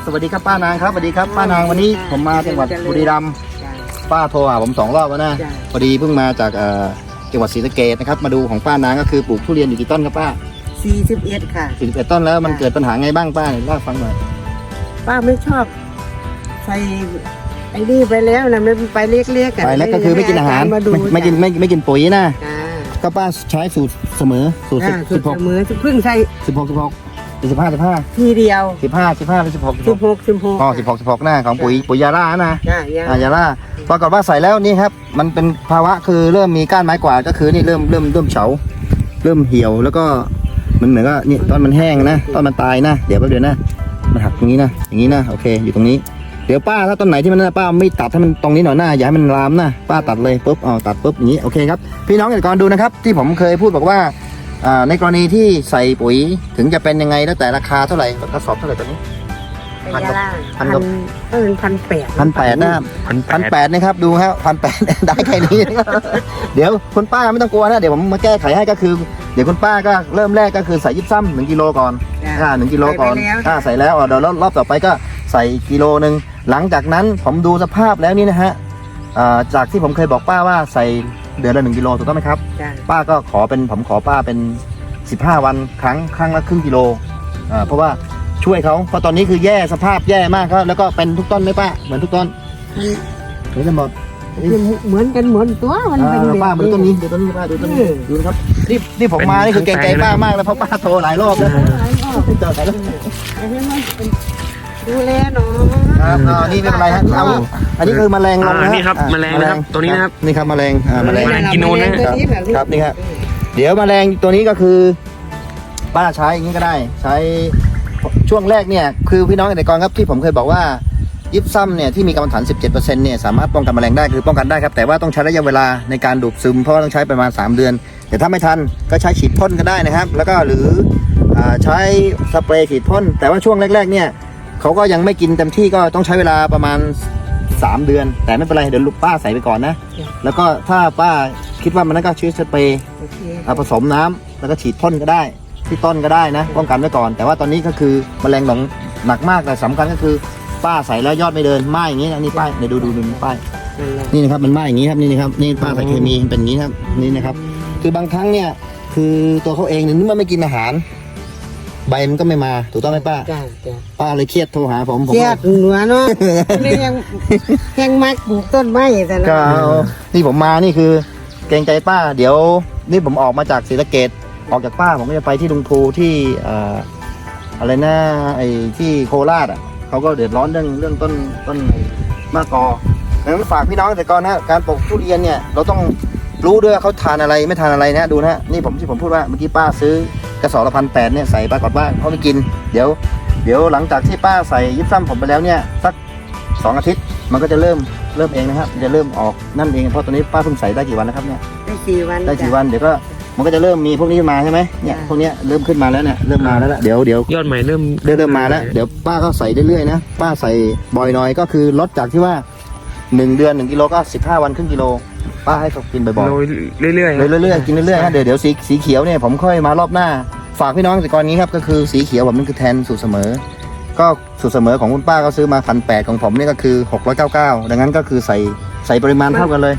สวัสดีครับป้านางครับสวัสดีครับป้านางวันนี้ผมมาจังหวัดบุรีรัมย์ป้าโทรหาผม2 รอบแล้วนะพอดีเพิ่งมาจากจังหวัดศรีสะเกษนะครับมาดูของป้านางก็คือปลูกทุเรียนอยู่กี่ต้นครับป้า 41ค่ะ 41ต้นแล้วมันเกิดปัญหาไงบ้างป้าเล่าฟังหน่อยป้าไม่ชอบใส่ไอ้นี่ไปแล้วนะมันไปเล็กๆกันไปแล้วก็คือไม่กินอาหารไม่กินปุ๋ยนะก็ป้าใช้สูตรเสมอสูตร16 เสมอเพิ่งใส่ 15 ทีเดียว 15หรือ16 16หน้าของปุ๋ยยาร่านะยาร่าปรากฏว่าใส่แล้วนี่ครับมันเป็นภาวะคือเริ่มมีก้านไม้กวาดก็คือนี่เริ่มเฉาเริ่มเหี่ยวแล้วก็มันเหมือนก็นี่ต้นมันแห้งนะต้นมันตายนะเดี๋ยวแป๊บเดียวนะมันหักตรงนี้นะอย่างนี้นะโอเคอยู่ตรงนี้เดี๋ยวป้าถ้าต้นไหนที่มันป้าไม่ตัดให้มันตรงนี้หน่อยหน้าอย่าให้มันลามนะป้าตัดเลยปุ๊บตัดปุ๊บอย่างนี้โอเคครับพี่น้องเกษตรกรดูนะครับที่ผมเคยพูดบอกว่าในกรณีที่ใส่ปุ๋ยถึงจะเป็นยังไงแล้วแต่ราคาเท่าไหร่กระสอบเท่าไหร่ตอนนี้ 1,800 นะครับ1,800นะครับดูครับ1,800ได้แค่นี้เดี๋ยวคุณป้าไม่ต้องกลัวนะเดี๋ยวผมมาแก้ไขให้ก็คือเดี๋ยวคุณป้าก็เริ่มแรกก็คือใส่ยิบซ้ำ1 กิโลก่อน1 กิโลก่อนใส่แล้วเดี๋ยวรอบต่อไปก็ใส่กิโลนึงหลังจากนั้นผมดูสภาพแล้วนี่นะฮะจากที่ผมเคยบอกป้าว่าใส่เดือนละ1 กิโลถูกต้องไหมครับป้าก็ผมขอป้าเป็น15 วันครั้งละครึ่งกิโลเพราะว่าช่วยเขาเพราะตอนนี้คือแย่สภาพแย่มากครับแล้วก็เป็นทุกต้นไหมป้าเหมือนทุกต้นเหมือนกันหมดเหมือนกันหมดตัวมันเป็นป้าเหมือนต้นนี้ดูต้นนี้ป้าดูต้นนี้ดูครับนี่ผมมานี่คือเกรงใจป้ามากแล้วเพราะป้าโทรหลายรอบแล้วจอดหลายรอบดูแลหน่อยครับนี่ไม่เป็นไรฮะอันนี้คือแมลงลงนะนี่ครับแมลงนะครับตัวนี้นะครับนี่ครับแมลงกินนูนนะครับนี่ครับเดี๋ยวแมลงตัวนี้ก็คือป้าใช้อย่างนี้ก็ได้ใช้ช่วงแรกเนี่ยคือพี่น้องเกษตรกรครับที่ผมเคยบอกว่ายิปซัมเนี่ยที่มีกรรมฐาน 17%เนี่ยสามารถป้องกันแมลงได้คือป้องกันได้ครับแต่ว่าต้องใช้ระยะเวลาในการดูดซึมเพราะว่าต้องใช้ประมาณ3 เดือนแต่ถ้าไม่ทันก็ใช้ฉีดพ่นก็ได้นะครับแล้วก็หรือใช้สเปรย์ฉีดพ่นแต่ว่าช่วงแรกๆเนี่ยเขาก็ยังไม่กินเต็มที่ก็ต้องใช้เวลาประมาณ3 เดือนแต่ไม่เป็นไรเดี๋ยวลูกป้าใส่ไปก่อนนะแล้วก็ถ้าป้าคิดว่ามันนั่นก็ใช้สเปรย์ผสมน้ำแล้วก็ฉีดพ่นก็ได้ที่ต้นก็ได้นะป้องกันไว้ก่อนแต่ว่าตอนนี้ก็คือแมลงหนักมากแต่สำคัญก็คือป้าใส่แล้วยอดไม่เดินไหม้อย่างนี้นะนี่ป้ายเดี๋ยวดูป้ายนี่นะครับมันไหม้อย่างนี้ครับนี่นะครับนี่ป้าใส่เคมีเป็นอย่างนี้ครับนี่นะครับคือบางครั้งเนี่ยคือตัวเขาเองเนี่ยนึกว่าไม่กินอาหารใบมันก็ไม่มาถูกต้องไหมป้าป้าเลยเครียดโทรหาผมเครียดหัวเนาะนี่ยังมักปลูกต้นไม้แต่ละนี่ผมมานี่คือเกรงใจป้าเดี๋ยวนี่ผมออกมาจากศรีสะเกษออกจากป้าผมก็จะไปที่ลุงภูที่อะไรนะไอ้ที่โคราชเขาก็เดือดร้อนเรื่องต้นมะกอดังนั้นฝากพี่น้องเกษตรกรนะการปลูกทุเรียนเนี่ยเราต้องรู้ด้วยเขาทานอะไรไม่ทานอะไรนะดูนะนี่ที่ผมพูดว่าเมื่อกี้ป้าซื้อกระสอบละ1,800เนี่ยใส่ปรากฏว่าเขาไม่กินเดี๋ยวหลังจากที่ป้าใส่ยิบซ้ำผมไปแล้วเนี่ยสัก2 อาทิตย์มันก็จะเริ่มเองนะครับจะเริ่มออกนั่นเองเพราะตอนนี้ป้าเพิ่งใส่ได้กี่วันนะครับเนี่ยได้4 วันเดี๋ยวก็มันก็จะเริ่มมีพวกนี้มาใช่ไหมเนี่ยพวกนี้เริ่มขึ้นมาแล้วเนี่ยเริ่มมาแล้วเดี๋ยวยอดใหม่เริ่มมาแล้วเดี๋ยวป้าก็ใส่เรื่อยๆนะป้าใส่บ่อยหน่อยก็คือลดจากที่ว่า1 เดือน1 กิโลก็15 วันครึ่งกิโลป้าให้เขากินบ่อยๆเรื่อยๆกินเรื่อยๆนะเดี๋ยวสีเขียวเนี่ยผมค่อยมารอบหน้าฝากพี่น้องเกษตรกรนี้ครับก็คือสีเขียวผมมันคือแทนสูตรเสมอก็สูตรเสมอของคุณป้าก็ซื้อมา1,800ของผมนี่ก็คือ699ดังนั้นก็คือใส่ปริมาณเท่ากันเลย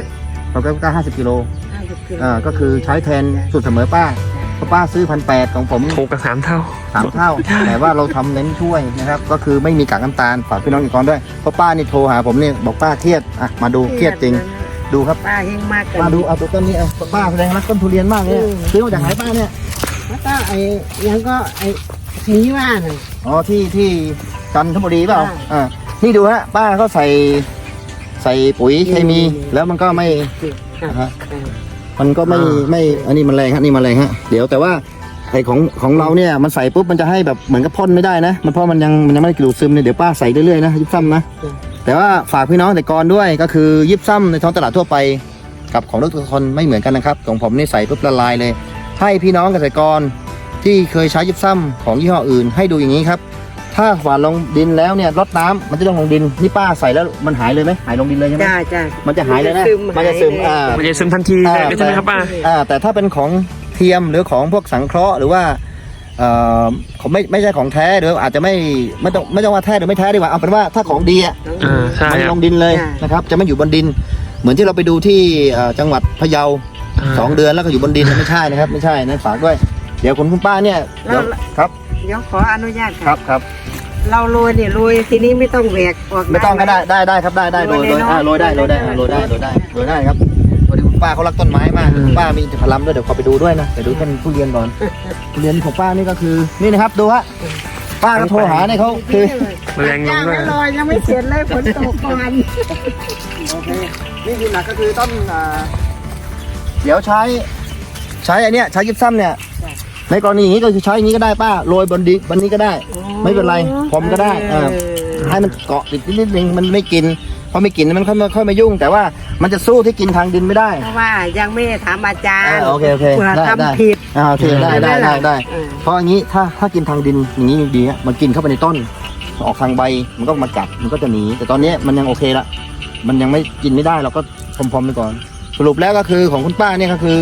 699 50 กิโลก็คือใช้แทนสูตรเสมอป้าเพราะป้าซื้อ1,800ของผมถูกกับ3 เท่าแต่ว่าเราทำเน้นช่วยนะครับก็คือไม่มีกากน้ำตาลฝากพี่น้องเกษตรกรด้วยเพราะป้านี่โทรหาผมนี่บอกป้าเครียดมาดูเครียดจริงดูครับป้าเฮงมากมาดูเอาตัวต้นนี้ป้าแสดงรักต้นทุเรียนมากเนี่ยซื้อมาจากไหนป้าเนี่ยก็ยังก็นี้ว่าน่ะที่จันทบุรีเปล่านี่ดูฮะป้าเขาใส่ปุ๋ยเคมีแล้วมันก็ไม่อันนี้มันแรงฮะนี่มันแรงฮะเดี๋ยวแต่ว่าไอ้ของเราเนี่ยมันใส่ปุ๊บมันจะให้แบบเหมือนกับพ่นไม่ได้นะมันเพราะมันยังไม่ได้กลูซึมเนี่ยเดี๋ยวป้าใส่เรื่อยๆนะยิบซ้ำนะแต่ว่าฝากพี่น้องเกษตรกรด้วยก็คือยิบซ้ำในท้องตลาดทั่วไปกับของทุกคนไม่เหมือนกันนะครับของผมนี่ใส่ปุ๊บละลายเลยให้พี่น้องเกษตรกรที่เคยใช้ยิบซ้ำของยี่ห้ออื่นให้ดูอย่างนี้ครับถ้าหว่านลงดินแล้วเนี่ยรดน้ำมันจะต้องลงดินนี่ป้าใส่แล้วมันหายเลยไหมหายลงดินเลยใช่ไหมมันจะหายเลยนะมันจะซึมทันทีเลยใช่ไหมครับป้าแต่ถ้าเป็นของเทียมหรือของพวกสังเคราะห์หรือว่าเขาไม่ใช่ของแท้หรืออาจจะไม่ต้องว่าแท้หรือไม่แท้ดีกว่าเอาเป็นว่าถ้าของดีอ่ะใช่มันคลรับงดินเลยนะครับจะไม่อยู่บนดิน เหมือนที่เราไปดูที่จังหวัดพะเยา 2 เดือนแล้วก็อยู่บนดินไม่ใช่นะครับไม่ใช่นะฝากด้วยเดี๋ยวคุณป้าเนี่ยเดี๋ยวครับเดี๋ยวขออนุญาตครัค่ะบครับเราโรยเนี่ยโรยทีนี้ไม่ต้องแหวกออกไม่ต้องก็หได้ครับได้โรยได้ครับพอดีคุณป้าเขารักต้นไม้มากคุณป้ามีอินทผลัมด้วยเดี๋ยวขอไปดูด้วยนะเดี๋ยวดูท่านทุเรียนก่อนทุเรียนของป้านี่ก็คือนี่นะครับดูฮะป้าก็โทรหาเนี่ยเขาคือแมลงลงย่างด้วยไม่ลอยยังไม่เสร็จเลยฝนตกก่อนโอเคนี่คือหลักก็คือต้นเดี๋ยวใช้อันเนี้ยใช้ยิปซัมเนี่ยในกรณีอย่างนี้ก็คือใช้อย่างนี้ก็ได้ป้าโรยบนนี้ก็ได้ ไม่เป็นไรผมก็ได้ให้มันเกาะติดนิดนึงมันไม่กินพอไม่กินมันค่อยมายุ่ง แต่ว่ามันจะสู้ที่กินทางดินไม่ได้เพราะว่ายังไม่ได้ถามอาจารย์โอเคเผื่อได้ทำผิดโอเคได้ เพราะอย่างนี้ถ้ากินทางดินอย่างนี้ดีฮะมันกินเข้าไปในต้นออกทางใบมันก็มากัดมันก็จะหนีแต่ตอนนี้มันยังโอเคละมันยังไม่กินไม่ได้เราก็พรมๆไปก่อน สรุปแล้วก็คือของคุณป้าเนี่ยก็คือ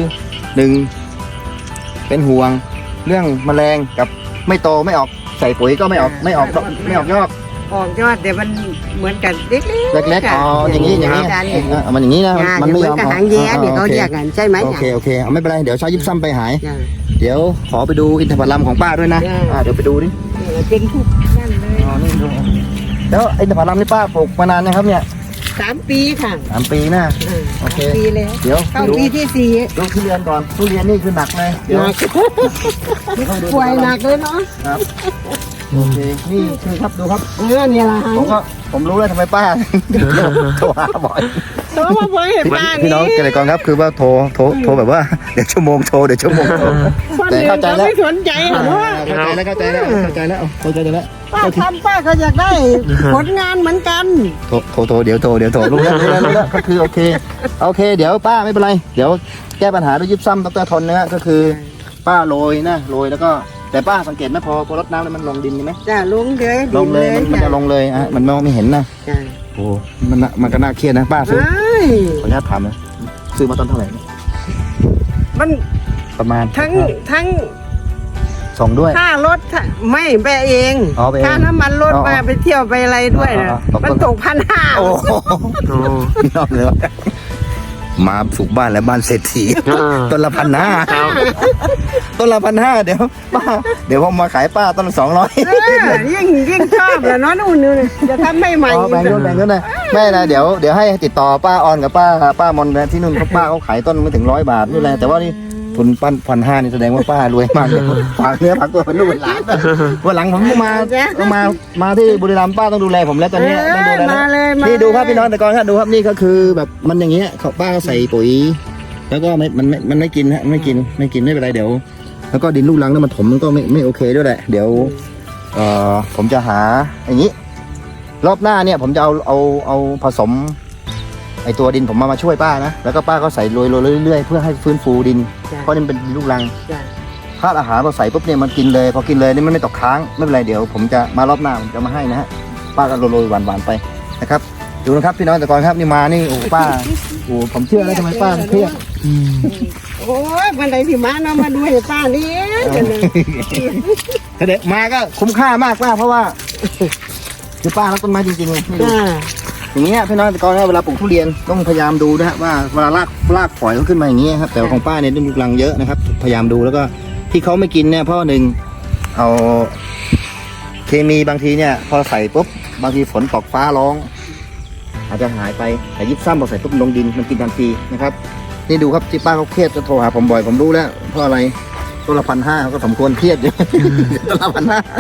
1เป็นห่วงเรื่องแมลงกับไม่โตไม่ออกใส่ปุ๋ยก็ไม่ออกยอดออกยอดเดี๋ยวมันเหมือนกันเล็กๆเล็กๆอย่างนี้อาจารย์เนี่ยมันอย่างนี้นะมันไม่ยอมเหมือนกับหางแย้เนี่ยเขาเรียกกันใช่ไหมโอเคเอาไม่เป็นไรเดี๋ยวใช้ยิปซัมไปหายจ้ะเดี๋ยวขอไปดูอินทผลัมของป้าด้วยนะได้เดี๋ยวไปดูดิเนี่ยเป็นทุกนั่นเลยนี่ดูแล้วอินทผลัมนี่ป้าปลูกมานานนะครับเนี่ย 3 ปีค่ะ 3 ปีนะ โอเค 3 ปีแล้วเดี๋ยวเข้าดูปีที่ดูทุเรียนก่อนทุเรียนนี่คือหนักเลย 4 เดี๋ยวหนักเดี๋ยวเข้าไปดูป่วยหนักเลยเนาะครับโอเคนี่คือครับดูครับเนี่ยละฮะผมรู้แล้วทำไมป้าโทรหาบ่อยโตมาบ่อยเห็นบ้านพี่น้องนี้เกษตรกรครับคือว่าโทรแบบว่าเดี๋ยวชั่วโมงโทรคนแต่อื่นเข้าใจเขาแล้วไม่สนใจเหรอว่าเข้าใจแล้วเข้าใจแล้วป้าทำป้าก็อยากได้ผลงานเหมือนกันโทรเดี๋ยวโทรรู้แล้วก็คือโอเคเดี๋ยวป้าไม่เป็นไรเดี๋ยวแก้ปัญหาด้วยยิปซัมดรทนนะฮะก็คือป้าโรยแล้วก็แต่ป้าสังเกตไหมพอรดน้ำแล้วมันลงดินใช่ไหมจ้ะลงเลยลงเลยมันจะลงเลยมันมองไม่เห็นนะจ้ะโอ้มันก็น่าเครียดนะป้าซื้อใช่ขออนุญาตถามนะซื้อมาตอนเท่าไหร่เนี่ยมันประมาณทั้งส่งด้วยค่ารถไม่แบะเองอ๋อไปเองค่าน้ำมันรถอ๋อมาไปเที่ยวไปอะไรด้วยนะอ๋อมันตก1,500 โอ้โหนอกเลยวะมาปลูกบ้านแล้วบ้านเศรษฐีต้นละ1,500 ครับต้นละ1,500เดี๋ยวป้าเดี๋ยวผมมาขายป้าต้นละ200 ยิ่งชอบแหละเนาะนู่นนี่จะทำไม่ใหม่แบ่งกันนะแม่นะเดี๋ยวให้ติดต่อป้าออนกับป้ามนนะที่นู่นเขาป้าเขาขายต้นไม่ถึง100 บาทนี่แหละแต่ว่านี่ทุน1,500นี่แสดงว่าป้ารวยมากเลยฝากเนื้อฝากตัวเป็นลูกเป็นหลานวันหลังผมมาที่บุรีรัมย์ป้าต้องดูแลผมแล้วตอนนี้ต้องดูแลมาเลยนี่ดูครับพี่น้องแต่ก่อนครับดูครับนี่ก็คือแบบมันอย่างเงี้ยป้าเขาใส่ปุ๋ย แล้วก็มันไม่กินฮะไม่กินไม่เป็นไรเดี๋ยว แล้วก็ดินลูกรังแล้วมันถมมันก็ไม่โอเคด้วยแหละเดี๋ยวผมจะหาอย่างนี้ รอบหน้าเนี่ยผมจะเอาผสมไอตัวดินผมมาช่วยป้านะแล้วก็ป้าก็ใส่โรยเรื่อยๆเพื่อให้ฟื้นฟูดินเพราะนี่มันเป็นดินลูกรังจ้ะถ้าอาหารเราใส่ปุ๊บเนี่ยมันกินเลยพอกินเลยนี่มันไม่ตกค้างไม่เป็นไรเดี๋ยวผมจะมารอบหน้าผมจะมาให้นะฮะป้าก็โรยหวานๆไปนะครับดูนะครับพี่น้องแต่ก่อนครับนี่มานี่โอ้ป้าโอ้ผมเชื่อแล้วทำไมป้าเครียดโอ้ยวันไหนที่มาเนาะมาดูให้ป้านี่กันเลยเด็กมาก็คุ้มค่ามากป้าเพราะว่าคือป้ารักต้นไม้จริงๆเลยนี่ดูจ้ะอย่างเงี้ยพี่น้องแต่ก่อนเวลาปลูกทุเรียนต้องพยายามดูนะฮะว่าเวลารากฝอยเขาขึ้นมาอย่างเงี้ยครับแต่ของป้าเนี่ยลูกรังเยอะนะครับพยายามดูแล้วก็ที่เขาไม่กินเนี่ยเพราะหนึ่งเอาเคมีบางทีเนี่ยพอใส่ปุ๊บบางทีฝนตกฟ้าร้องอาจจะหายไปแต่ยิบซ้ำพอใส่ปุ๊บลงดินมันกินทันทีนะครับนี่ดูครับที่ป้าเขาเครียดจะโทรหาผมบ่อยผมรู้แล้วเพราะอะไรต้นละ1,500ก็สมควรเครียดอยู่ ต้นละ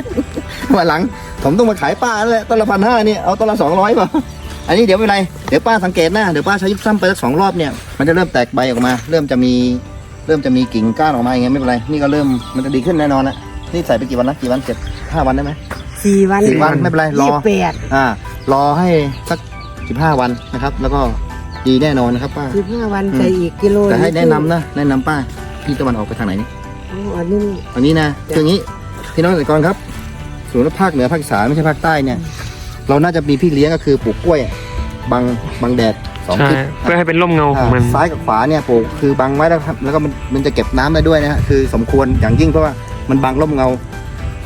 1,500วันหลังผมต้องมาขายป้าแล้วแหละต้นละ1,500นี่เอาต้นละ200ป่ะอันนี้เดี๋ยวไม่เป็นไรเดี๋ยวป้าสังเกตนะเดี๋ยวป้าใช้ยิบซ้ำไปสัก2 รอบเนี่ยมันจะเริ่มแตกใบออกมาเริ่มจะมีกิ่งก้านออกมาอย่างเงี้ยไม่เป็นไรนี่ก็เริ่มมันจะดีขึ้นแน่นอนนะนี่ใส่ไปกี่วันนะกี่วัน5 วันได้ไหม 4 วัน 4 วันไม่เป็นไรรอ 28 รอให้สัก15 วันนะครับแล้วก็ดีแน่นอนนะครับป้า 15 วันใส่อีกกิโลแต่ให้แนะนำนะแนะนำป้าพี่ตะวันออกไปทางไหนนี่อ๋ออันนี้อันนี้นะคืออย่างนี้พี่น้องเกษตรกรครับส่วนภาคเหนือภาคอีสานไม่ใช่ภาคใต้เนี่ยเราน่าจะมีพี่เลี้ยงก็คือปลูกกล้วยบังแดด2 ใช่ทิศเพื่อให้เป็นร่มเงาของมันซ้ายกับขวาเนี่ยปลูกคือบังไว้แล้วครับแล้วก็มันจะเก็บน้ำได้ด้วยนะฮะคือสมควรอย่างยิ่งเพราะว่ามันบังร่มเงา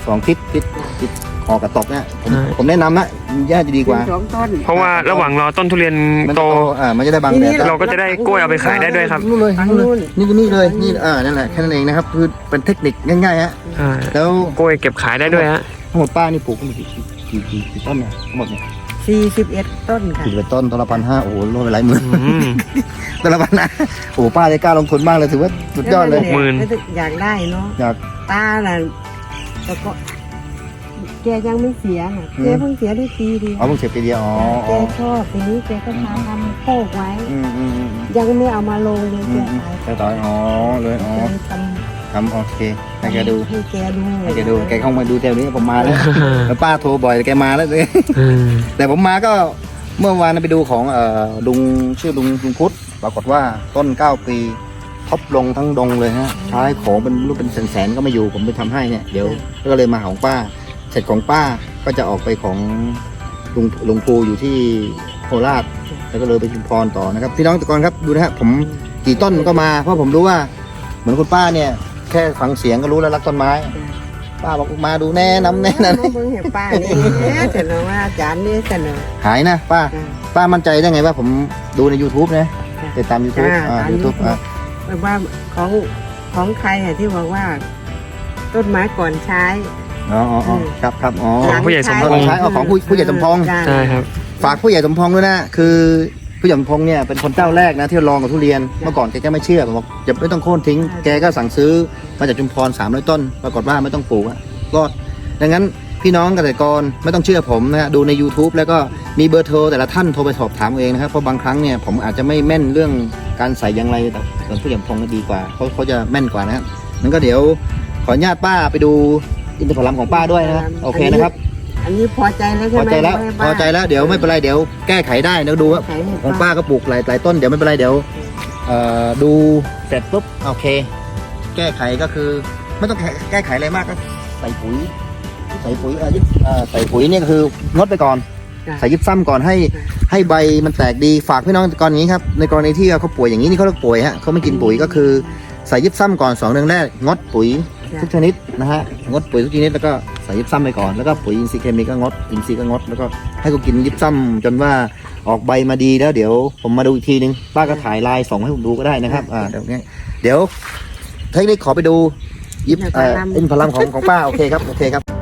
2 ทิศคอกระตกเนี่ยผมแนะนำนะแย่จะดีกว่าสองต้นเพราะว่าระหว่างรอต้นทุเรียนมันโตมันจะได้บางแดดเราก็จะได้กล้วยเอาไปขายได้ด้วยครับนู่นเลยนี่เลยนี่นั่นแหละแค่นั้นเองนะครับคือเป็นเทคนิคง่ายๆฮะใช่แล้วกล้วยเก็บขายได้ด้วยฮะทั้งหมดป้านี่ปลูกทั้งหมดกี่ต้นเนี่ยทั้งหมดเนี่ย 41 ต้นค่ะ 41 ต้นต้นละ1,500โอ้โหรวมไปหลายหมื่นอืมต้นละ1,500โอ้โหป้าได้กล้าลงทุนมากเลยถือว่าสุดยอดเลยอยากได้เนาะอยากตาน่ะแล้วก็แกยังไม่เสียน่ะแกเพิ่งเสียได้ปีเดียวเอาเพิ่งเสร็จปีเดียวอ๋อแกชอบทีนี้แกก็พาทำโคกไว้อืมยังไม่เอามาลงเลยแกขายแต่ต่อยอ๋อเลยอ๋อแกททำโอเคให้แกดูให้แกดูให้แกดูแกเข้ามาดูแถวนี้ผมมาแล้วแล้วป้าโทรบ่อยแกมาแล้วเลยอืมแต่ผมมาก็เมื่อวานไปดูของลุงชื่อลุงพุทธปรากฏว่าต้น9 ปีท็อปลงทั้งดงเลยฮะใช้ของเป็นรูปเป็นแสนๆก็มาอยู่ผมไปทำให้เนี่ยเดี๋ยวก็เลยมาหาของป้าเสร็จของป้าก็จะออกไปของลุงภูอยู่ที่โคราชแล้วก็เลยไปชุมพรต่อนะครับพี่น้องตะกอนครับดูนะฮะผมกี่ต้นก็มาเพราะผมรู้ว่าเหมือนคุณป้าเนี่ยแค่ฟังเสียงก็รู้แล้วรักต้นไม้ป้าบอกมาดูแน่น้ำแน่นั่นมาเบิ่งให้ป้านี่เสนอว่าอาจารย์นี่เสนอหายนะป้ามั่นใจได้ไงว่าผมดูใน YouTube นะติดตาม YouTube ยูทูบว่าของใครอะที่บอกว่า ต้นไม้ก่อนใช้อ๋อครับอ๋อของผู้ใหญ่สมพงษ์ใช้ของผู้ใหญ่สมพงษ์ใช่ครับฝากผู้ใหญ่สมพงษ์ด้วยนะคือผู้ใหญ่สมพงษ์เนี่ยเป็นคนเจ้าแรกนะที่ลองกับทุเรียนเมื่อก่อนแกก็ไม่เชื่อผมบอกอย่าไม่ต้องโค่นทิ้งแกก็สั่งซื้อมาจากชุมพร300 ต้นปรากฏว่าไม่ต้องปลูกอะรอดดังนั้นพี่น้องเกษตรกรไม่ต้องเชื่อผมนะฮะดูใน YouTube แล้วก็มีเบอร์โทรแต่ละท่านโทรไปสอบถามเองนะครับเพราะบางครั้งเนี่ยผมอาจจะไม่แม่นเรื่องการใส่อย่างไรแต่ผู้ใหญ่สมพงษ์ดีกว่าเขาจะแม่นกว่านะครับงั้นก็เดี๋ยวขออนุญาตป้าไปดูอินทผลัมของป้าด้วยนะโอเคนะครับอันนี้พอใจแล้วใช่พอไหมใจแล้วพอใจแล้วเดี๋ยวไม่เป็นไรเดี๋ยวแก้ไขได้เดี๋ยวดูว่าขายให้ของป้าก็ปลูกหลายต้นเดี๋ยวไม่เป็นไรเดี๋ยวดูเสร็จปุ๊บโอเค แก้ไขก็คือไม่ต้องแก้ไขอะไรมากก็ใส่ปุ๋ยใส่ปุ๋ยใส่ปุ๋ยเนี่ยก็คืองดไปก่อน ใส่ยิบซ้ำก่อนให้ใบมันแตกดีฝากพี่น้องก่อนอย่างนี้ครับในกรณีที่เขาป่วยอย่างนี้นี่เขาเรียกป่วยฮะเขาไม่กินปุ๋ยก็คือใส่ยิบซ้ำก่อน2 เดือนแรกงดปุ๋ยทุกชนิดนะฮะงดปุ๋ยทุกชนิดแล้วก็ใส่ยิบซ้ำไปก่อนแล้วก็ปุ๋ยอินทรีย์เคมีก็งดอินทรีย์ก็งดแล้วก็ให้เขากินยิบซ้ำจนว่าออกใบมาดีแล้วเดี๋ยวผมมาดูอีกทีนึงป้าก็ถ่ายลายส่งให้ผมดูก็ได้นะครับเดี๋ยวเทคนิคขอไปดูยิบอินทผลัมของป้าโอเคครับ